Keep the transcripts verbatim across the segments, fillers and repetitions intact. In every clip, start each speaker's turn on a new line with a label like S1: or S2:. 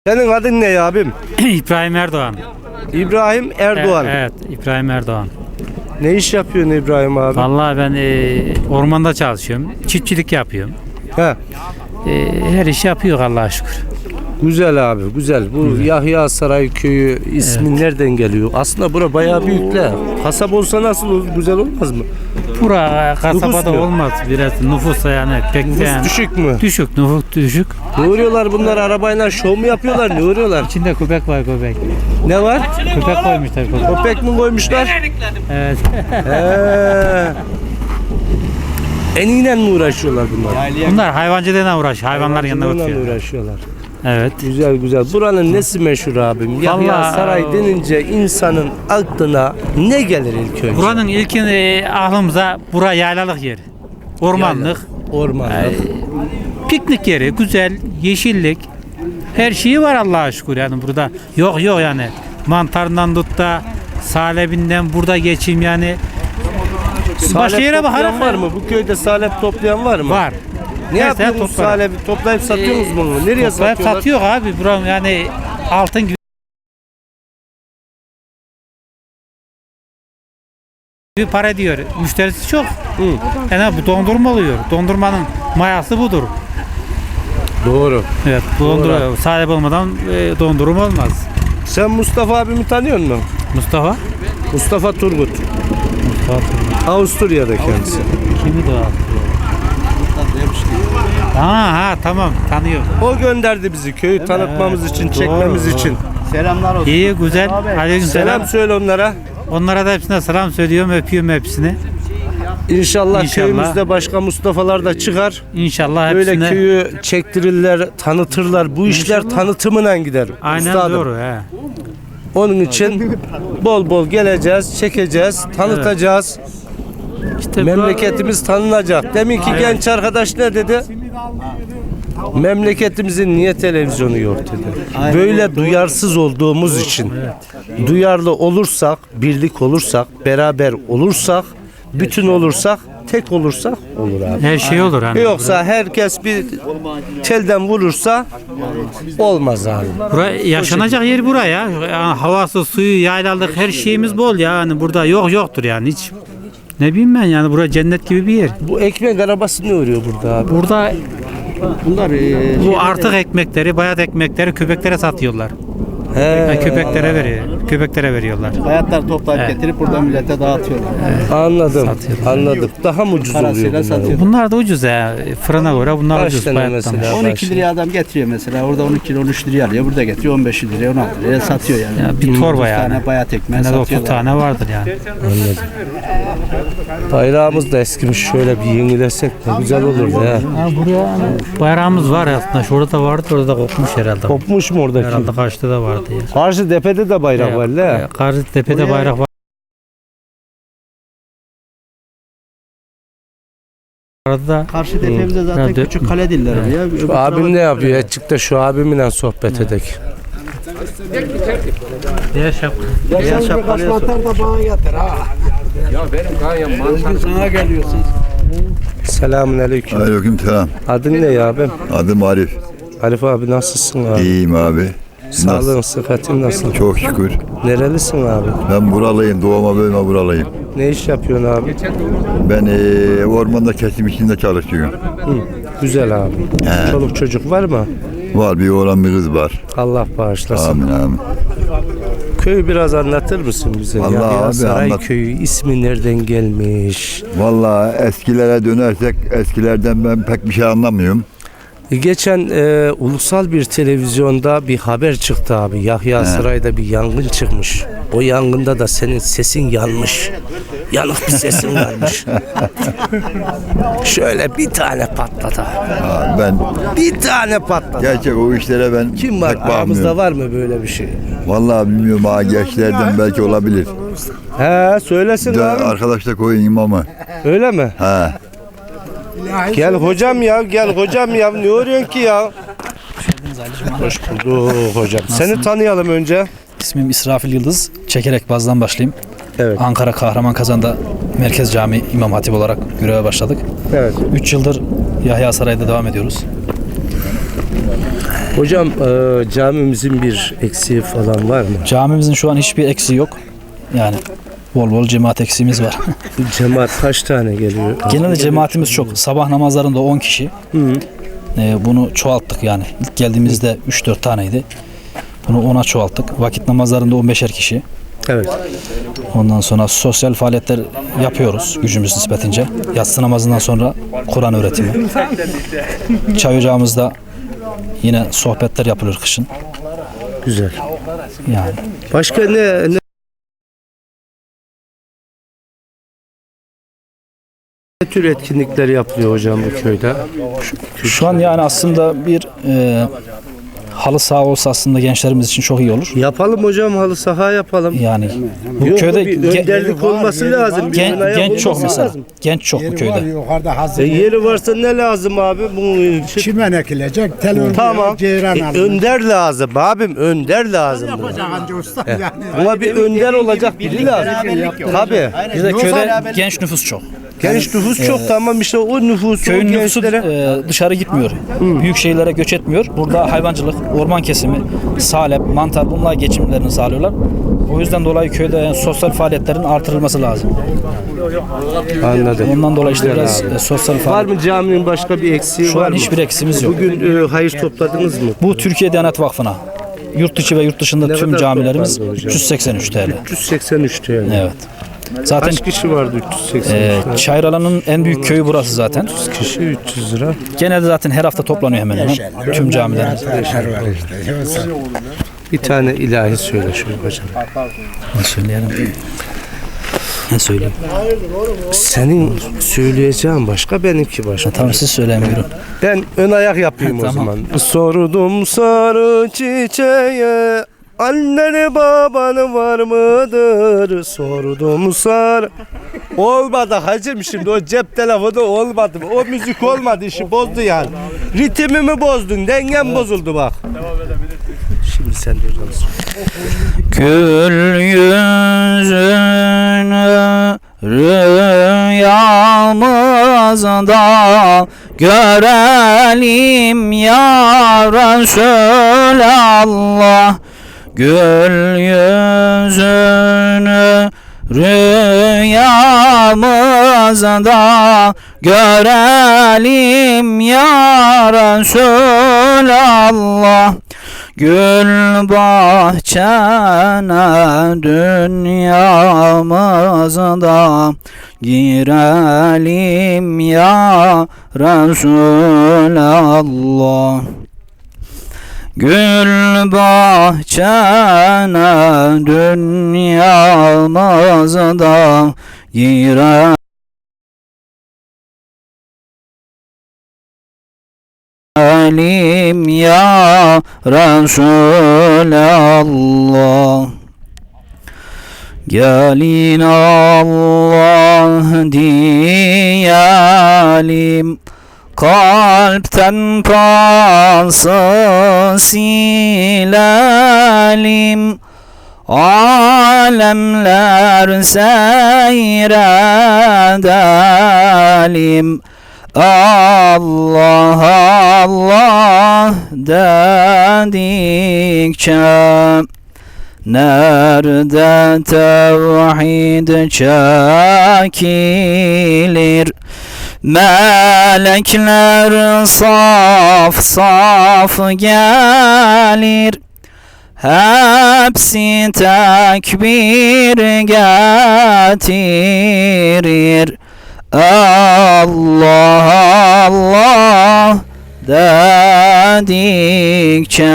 S1: Senin adın ne abim?
S2: İbrahim Erdoğan.
S1: İbrahim Erdoğan.
S2: E- evet, İbrahim Erdoğan.
S1: Ne iş yapıyorsun İbrahim abi?
S2: Vallahi ben e, ormanda çalışıyorum. Çiftçilik yapıyorum.
S1: He.
S2: E, her işi yapıyor Allah'a şükür.
S1: Güzel abi, güzel. Bu
S2: Güzel.
S1: Yahya Saray Köyü ismi
S2: Evet.
S1: nereden geliyor? Aslında bura bayağı büyük de. Kasaba olsa nasıl olur? Güzel olmaz mı?
S2: Bura kasabada
S1: mu?
S2: olmaz. Biraz nüfus yani pek de
S1: Nüfus
S2: yani,
S1: düşük mü?
S2: düşük, nüfus düşük.
S1: Ne uğruyorlar bunlar arabayla şov mu yapıyorlar? Ne uğruyorlar?
S2: İçinde köpek var köpek.
S1: Ne var?
S2: Köpek koymuşlar köpek.
S1: Köpek mi koymuşlar?
S2: Evet.
S1: He. Eniyle mi uğraşıyorlar bunlar?
S2: Bunlar hayvancılığına uğraşıyor. Hayvanların yanına
S1: Hayvancılığıyla
S2: oturuyor.
S1: uğraşıyorlar.
S2: Evet.
S1: Güzel güzel. Buranın nesi meşhur abim? Yahya
S2: Vallahi-
S1: Saray denince insanın aklına ne gelir ilk önce?
S2: Buranın ilkin e, aklımıza bura yaylalık yeri. Ormanlık.
S1: Ormanlık.
S2: Piknik yeri, güzel, yeşillik. Her şeyi var Allah'a şükür yani burada. Yok yok yani. Mantarından tut da salebinden burada geçeyim yani. Başka
S1: Salep
S2: yere
S1: toplayan
S2: bakarak
S1: var mı? Bu köyde salep toplayan var mı?
S2: var.
S1: Ne
S2: Her sene
S1: yapıyorsunuz
S2: toplarım.
S1: salebi? Toplayıp satıyorsunuz bunu? Nereye
S2: Toplayıp
S1: satıyorlar?
S2: satıyor abi buram yani altın gibi bir para diyor. Müşterisi çok.
S1: Hı.
S2: Yani bu dondurma oluyor. Dondurmanın mayası budur.
S1: Doğru.
S2: Evet, dondurma sahip olmadan e, dondurma olmaz.
S1: Sen Mustafa abimi tanıyor musun?
S2: Mustafa?
S1: Mustafa Turgut.
S2: Mustafa
S1: Avusturya'da kendisi.
S2: kimi de Ha ha tamam tanıyorum.
S1: O gönderdi bizi köyü tanıtmamız için,
S2: Doğru,
S1: çekmemiz
S2: doğru.
S1: için.
S3: Selamlar olsun.
S2: İyi güzel. Aleyküm
S1: Selam
S2: selam.
S1: söyle onlara.
S2: Onlara da hepsine selam söylüyorum, öpüyorum hepsini.
S1: İnşallah,
S2: İnşallah.
S1: köyümüzde başka Mustafa'lar da çıkar.
S2: İnşallah
S1: Böyle
S2: hepsine.
S1: köyü çektirirler, tanıtırlar. Bu işler tanıtımına gider.
S2: Aynen
S1: üstadım.
S2: doğru he.
S1: Onun için bol bol geleceğiz, çekeceğiz, tanıtacağız.
S2: İşte
S1: Memleketimiz tanınacak. Demin ki genç arkadaş ne dedi? Memleketimizin niye televizyonu yok dedi. Böyle duyarsız olduğumuz için, duyarlı olursak, birlik olursak, beraber olursak, bütün olursak, tek olursak olur abi.
S2: her şey olur hani.
S1: Yoksa herkes bir telden vurursa olmaz abi.
S2: Bura, yaşanacak yer buraya. Yani havası, suyu, yaylalık her şeyimiz bol ya. Yani burada yok yoktur yani hiç. Ne bileyim ben yani bura cennet gibi bir yer.
S1: Bu ekmek arabası ne örüyor burada abi?
S2: Burada
S3: Bunlar e,
S2: bu artık ekmekleri, bayat ekmekleri köpeklere satıyorlar. Yani
S1: He,
S2: köpeklere veriyor. Köpeklere veriyorlar.
S3: hayatlar toplayıp
S2: Evet.
S3: getirip burada millete dağıtıyorlar.
S1: anladım.
S2: Satıyorlar.
S1: Anladım. Daha mı ucuz oluyor
S3: Parasıyla
S1: bunlar?
S3: satıyor.
S2: Bunlar da ucuz ya. Fırına göre bunlar
S1: Kaç
S2: ucuz.
S1: tane
S2: bayattan.
S1: mesela?
S3: on iki liraya adam getiriyor mesela. Orada on iki lira on üç liraya alıyor. Burada getiriyor on beş liraya on altı liraya satıyor yani.
S2: Ya bir torba
S3: otuz
S2: yani.
S3: tane bayat ekmeği
S2: En az otuz
S3: satıyorlar.
S2: tane vardır yani.
S1: Bayrağımız da eskimiş. Şöyle bir yenilesek de güzel olurdu ya.
S2: Ha, buraya hani bayrağımız var aslında. Şurada da vardı, orada da kopmuş herhalde.
S1: Kopmuş mu oradaki?
S2: Herhalde karşıda da vardı ya.
S1: Karşı tepede de bayrak var la.
S2: Karşı tepede bayrak var. Arada
S3: Karşı tepemizde zaten
S2: Herhalde-
S3: küçük kale diller ya.
S1: Şu abim ne yapıyor? Çık da şu abimle sohbet edek.
S2: diğer şapka.
S3: Beyaz şapkalıya sor. Sana geliyorsun.
S1: Selamun aleyküm.
S4: Aleyküm selam.
S1: Adın ne ya abim?
S4: Adım Arif.
S1: Arif abi nasılsın abi?
S4: İyiyim abi.
S1: Sağlığın, sıhhatin nasıl?
S4: Çok şükür.
S1: Nerelisin abi?
S4: Ben buralıyım. Doğma büyüme buralıyım.
S1: Ne iş yapıyorsun abi?
S4: Ben eee, ormanda kesim içinde çalışıyorum.
S1: Hı, güzel abi.
S4: He.
S1: Çoluk çocuk var mı?
S4: Var bir oğlan bir kız var.
S1: Allah bağışlasın.
S4: Amin amin.
S1: Köyü biraz anlatır mısın bize?
S4: Vallahi
S1: Yahya
S4: abi
S1: Saray
S4: anlat.
S1: Köyü ismi nereden gelmiş?
S4: Vallahi eskilere dönersek eskilerden ben pek bir şey anlamıyorum.
S1: Geçen e, ulusal bir televizyonda bir haber çıktı abi. Yahya Saray'da bir yangın çıkmış. O yangında da senin sesin yanmış. Yanık bir sesin varmış. Şöyle bir tane patladı.
S4: Ha, ben
S1: Bir tane patladı.
S4: gerçek o işlere ben
S1: Kim var?
S4: pek
S1: Aramızda
S4: bakmıyorum.
S1: var mı böyle bir şey?
S4: Vallahi bilmiyorum ha gençlerden belki olabilir.
S1: He söylesin
S4: De,
S1: abi.
S4: arkadaş da koyun imamı.
S1: Öyle mi?
S4: Ha.
S1: Gel hocam ya, gel hocam ya. Ne arıyorsun ki ya? Hoş bulduk hocam. Seni tanıyalım önce.
S5: İsmim İsrafil Yıldız. Çekerek bazdan başlayayım.
S1: Evet.
S5: Ankara Kahramanmaraş'ta Merkez Camii İmam Hatip olarak göreve başladık.
S1: Evet.
S5: üç yıldır Yahya Saray'da devam ediyoruz.
S1: Hocam e, camimizin bir eksiği falan var mı?
S5: Camimizin şu an hiçbir eksiği yok. Yani bol bol cemaat eksiğimiz var.
S1: Cemaat kaç tane geliyor?
S5: Genelde cemaatimiz çok. Sabah namazlarında on kişi.
S1: Hı hı.
S5: Ee, bunu çoğalttık yani. İlk geldiğimizde üç dört taneydi. Bunu ona çoğalttık. Vakit namazlarında on beşer kişi.
S1: Evet.
S5: Ondan sonra sosyal faaliyetler yapıyoruz gücümüz nispetince. Yatsı namazından sonra Kur'an öğretimi. Çay ocağımızda yine sohbetler yapılır kışın.
S1: Güzel.
S5: Yani
S1: Başka ne, ne ne tür etkinlikler yapılıyor hocam bu köyde?
S5: şu an yani aslında bir e, halı saha olsa aslında gençlerimiz için çok iyi olur.
S1: Yapalım hocam, halı saha yapalım.
S5: Yani bu
S1: Yok,
S5: köyde
S1: bir
S5: ge-
S1: önderlik olması lazım. Bir
S5: gen-
S1: ön ayak
S5: genç çok
S1: olması
S5: mesela.
S1: lazım.
S5: Genç çok bu köyde.
S6: Yukarıda hazır.
S1: E, yeri varsa ne lazım abi? Bu şey-
S6: Çimen ekilecek, tel örgü,
S1: Tamam.
S6: ceyran
S1: E,
S6: alınacak.
S1: önder lazım abim, önder lazım. buna.
S6: Yapacak anca usta yani.
S1: Buna bir önder olacak biri lazım. Tabii.
S5: Bizde köyde genç nüfus çok.
S1: Genç nüfus çok, tamam işte o nüfusu,
S5: Köyün
S1: o
S5: nüfusu
S1: gençlere.
S5: e, dışarı gitmiyor. Büyük şehirlere göç etmiyor. Burada hayvancılık, orman kesimi, salep, mantar bunlar geçimlerini sağlıyorlar. O yüzden dolayı köyde yani sosyal faaliyetlerin artırılması lazım.
S1: Anladım.
S5: Ondan dolayı işte biraz e, sosyal
S1: Var
S5: faaliyet.
S1: mı caminin başka bir eksiği
S5: Şu
S1: var
S5: an
S1: mı?
S5: hiçbir eksiğimiz yok.
S1: Bugün e, hayır topladınız mı?
S5: Bu Türkiye Diyanet Vakfı'na. Yurt içi ve yurt dışında
S1: Ne
S5: tüm
S1: kadar
S5: camilerimiz
S1: toplandı hocam?
S5: üç yüz seksen üç T L.
S1: üç yüz seksen üç T L.
S5: Evet. Zaten
S1: Kaç kişi vardı üç yüz seksen
S5: e,
S1: üç T L?
S5: Çayralan'ın en büyük köyü burası zaten.
S1: Kişi üç yüz lira.
S5: Genelde zaten her hafta toplanıyor hemen hemen. Tüm camilerimiz.
S1: Bir tane ilahi söyle şöyle hocam.
S5: Ne söyleyelim? Ne söyleyeyim?
S1: Senin söyleyeceğin başka, benimki başka.
S5: Tamam siz söyleyin buyurun.
S1: Ben ön ayak yapayım o
S5: Tamam.
S1: zaman. Sordum sarı çiçeğe, anneni babanı var mıdır? Sordum sarı. Olmadı hacım, şimdi o cep telefonu olmadı. O müzik olmadı, işi bozdu yani. Ritmimi bozdun, dengem bozuldu bak. Şimdi sen de hocam söyle.
S7: Gül yüzünü rüyamızda görelim ya Resulallah. Gül yüzünü rüyamızda görelim ya Resulallah. Gül bahçene dünyamızda girelim ya Resulallah. Gül bahçene dünyamızda girelim Alim ya Resulallah. Gelin Allah diyelim, kalpten pası silelim. Alemler seyredelim. Allah Allah dedikçe nerede tevhid çekilir? Melekler saf saf gelir. Hepsi tekbir getirir. Allah Allah dedikçe.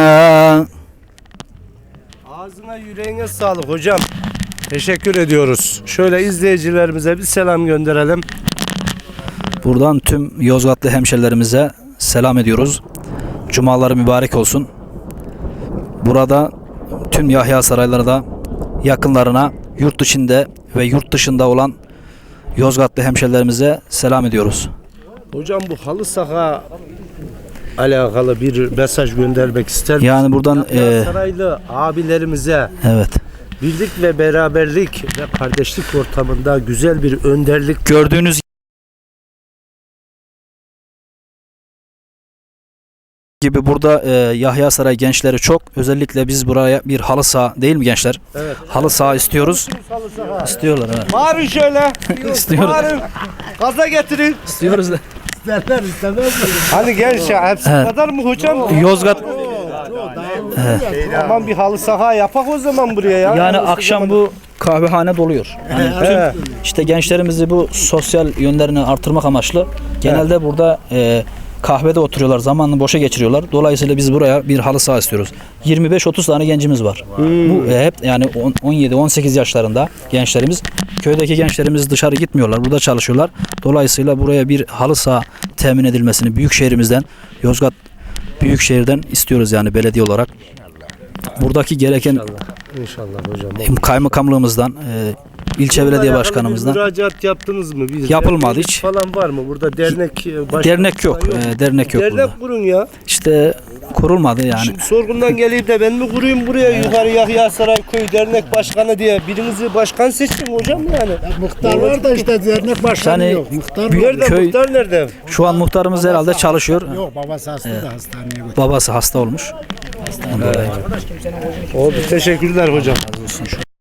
S1: Ağzına yüreğine sağlık hocam. Teşekkür ediyoruz. Şöyle izleyicilerimize bir selam gönderelim.
S5: Buradan tüm Yozgatlı hemşerilerimize selam ediyoruz. Cumaları mübarek olsun. Burada tüm Yahya Sarayları da yakınlarına, yurt içinde ve yurt dışında olan Yozgatlı hemşerilerimize selam ediyoruz.
S1: Hocam bu halı saha alakalı bir mesaj göndermek ister misiniz?
S5: Yani buradan
S1: Yahya
S5: e,
S1: Saraylı abilerimize
S5: evet,
S1: birlik ve beraberlik ve kardeşlik ortamında güzel bir önderlik
S5: gördüğünüz gibi burada e, Yahya Saray gençleri çok. Özellikle biz buraya bir halı saha değil mi gençler? Evet. Halı saha istiyoruz. İstiyorlar evet.
S1: Bağırın şöyle.
S5: İstiyoruz.
S1: Bağırın. Gaza getirin.
S5: İstiyoruz da.
S6: İsterler istemez.
S1: Hani genç ya hepsi
S5: Evet.
S1: kadar mı hocam?
S5: Yozgat
S1: Aman bir halı saha yapak o zaman buraya ya.
S5: yani akşam bu kahvehane doluyor. Yani
S1: Evet.
S5: İşte gençlerimizi bu sosyal yönlerini artırmak amaçlı genelde burada e, kahvede oturuyorlar, zamanını boşa geçiriyorlar. Dolayısıyla biz buraya bir halı saha istiyoruz. yirmi beş otuz tane gencimiz var. Bu e, hep yani on yedi on sekiz yaşlarında gençlerimiz. Köydeki gençlerimiz dışarı gitmiyorlar, burada çalışıyorlar. Dolayısıyla buraya bir halı saha temin edilmesini büyük şehrimizden, Yozgat Büyükşehir'den istiyoruz yani belediye olarak. Buradaki gereken
S1: İnşallah hocam.
S5: kaymakamlığımızdan, e, ilçe belediye başkanımızdan
S1: Bir müracaat yaptınız mı? Bir
S5: Yapılmadı
S1: dernek
S5: hiç.
S1: falan var mı? Burada dernek e, başkanı
S5: dernek yok.
S1: falan
S5: e, dernek yok burada.
S1: Dernek kurun ya.
S5: İşte kurulmadı yani.
S1: Şimdi sorgundan geleyim de ben mi kurayım buraya yukarı Yahya Saray Köy Dernek Başkanı diye birinizi başkan seçtim hocam yani.
S6: Muhtar var da işte dernek başkanı
S5: Yani
S6: yok. Muhtar var.
S1: Nerede
S5: Köy-
S1: muhtar nerede?
S5: Şu an muhtarımız herhalde çalışıyor.
S6: Yok babası hasta da hastaneye götürdü.
S5: Babası hasta olmuş.
S1: Oldu teşekkürler hocam.